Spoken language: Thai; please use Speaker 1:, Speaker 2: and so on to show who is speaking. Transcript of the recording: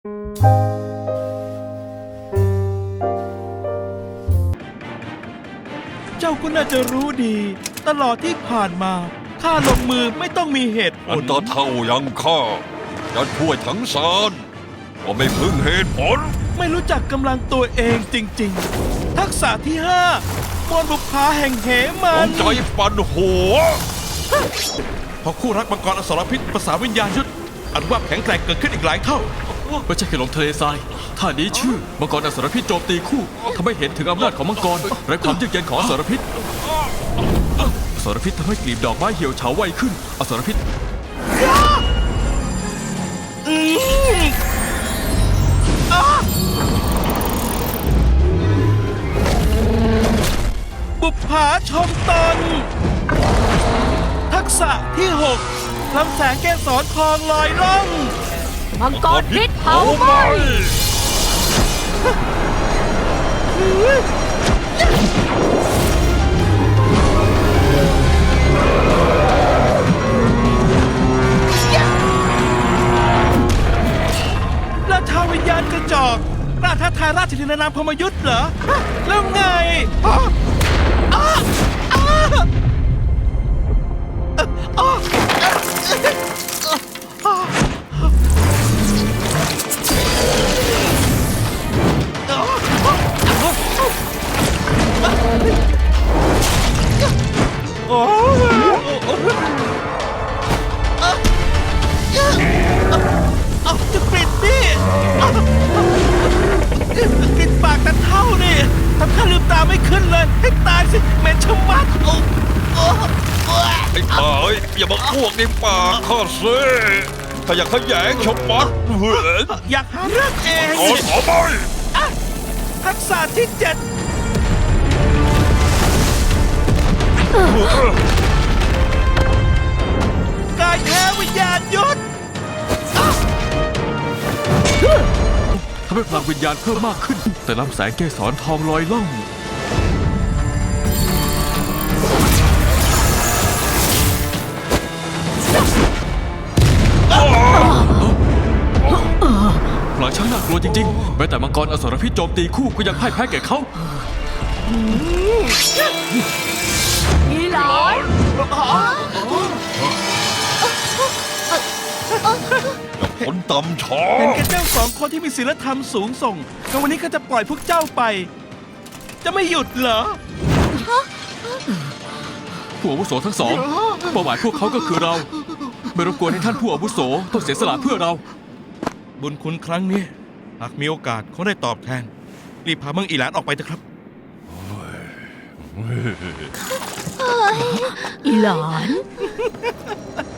Speaker 1: เจ้าก็น่าจะรู้ดีตลอดที่ผ่านมาข้าลงมือไม่ต้องมีเหตุผ
Speaker 2: อัน
Speaker 1: ล
Speaker 2: ตาเท่ายังข้าจะช่วยทั้งซานก็ไม่พึ่งเหตุผล
Speaker 1: ไม่รู้จักกำลังตัวเองจริงๆ ทักษะที่5มวลบุพภาแห่งเหมั
Speaker 2: ต้อน งใจปั่นหัว
Speaker 3: พอคู่รักมังกรอสรพิษประสานวิญญาณยุทธอันว่าแข็งแกร่งเกิดขึ้นอีกหลายเท่า
Speaker 4: ไม่ใช่แค่ลมทะเลทรายท่านี้ชื่อมังกรอสรพิษโจมตีคู่ทำให้เห็นถึงอำนาจของมังกรและความเยือกเย็นของอสรพิษอสรพิษทำให้กลีบดอกไม้เหี่ยวเฉาไวขึ้นอสรพิษ
Speaker 1: บุพภาชมตน ทักษะที่6ลำแสงแก้วสอนทองลอยล่อง
Speaker 5: มังกรพิษเผาไหม้
Speaker 1: ราชาวิญญาณกระจอกกล้าท้าทายราชธินานามพรหมยุทธ์เหรอ แล้วไงอ้าอ้าอ้าโอ้เอาจะปิดนี่ปิดปากแต่เท่านี่ทำข้าลืมตาไม่ขึ้นเลย ให้ตายสิเหม็นชะมัดโอ้โอ้
Speaker 2: ไอ้ป่าเอ้ยอย่ามาอ้วกในปากข้าสิถ้าอยากขยงชมมัดเหือน
Speaker 1: อยากหาเรื่องเอง
Speaker 2: ขอขอไป
Speaker 1: อ่ะทักษะที่7กายแท้วิญญาณยุทธ
Speaker 4: ทำให้พลังวิญญาณเพิ่มมากขึ้น แต่ลำแสงเกสรทองลอยล่องพลังช่างน่ากลัวจริงๆแม้แต่มังกรอสรพิษโจมตีคู่ก็ยังพ่ายแพ้แก่เขา
Speaker 5: อีหลาน
Speaker 2: คนต่ำช้อ
Speaker 1: เห็นแก่เจ้า2 คนที่มีศีลธรรมสูงส่งก็วันนี้ข้าจะปล่อยพวกเจ้าไป จะไม่หยุดเหรอ
Speaker 4: ผู้อาวุโสทั้งสองเป้าหมายพวกเขาก็คือเรา ไม่รบกวนให้ท่านผู้อาวุโสต้องเสียสละเพื่อเรา
Speaker 3: บุญคุณครั้งนี้หากมีโอกาสเขาได้ตอบแทน รีบพาเมืองอีหลานออกไปเถอะครับ
Speaker 5: อีหลาน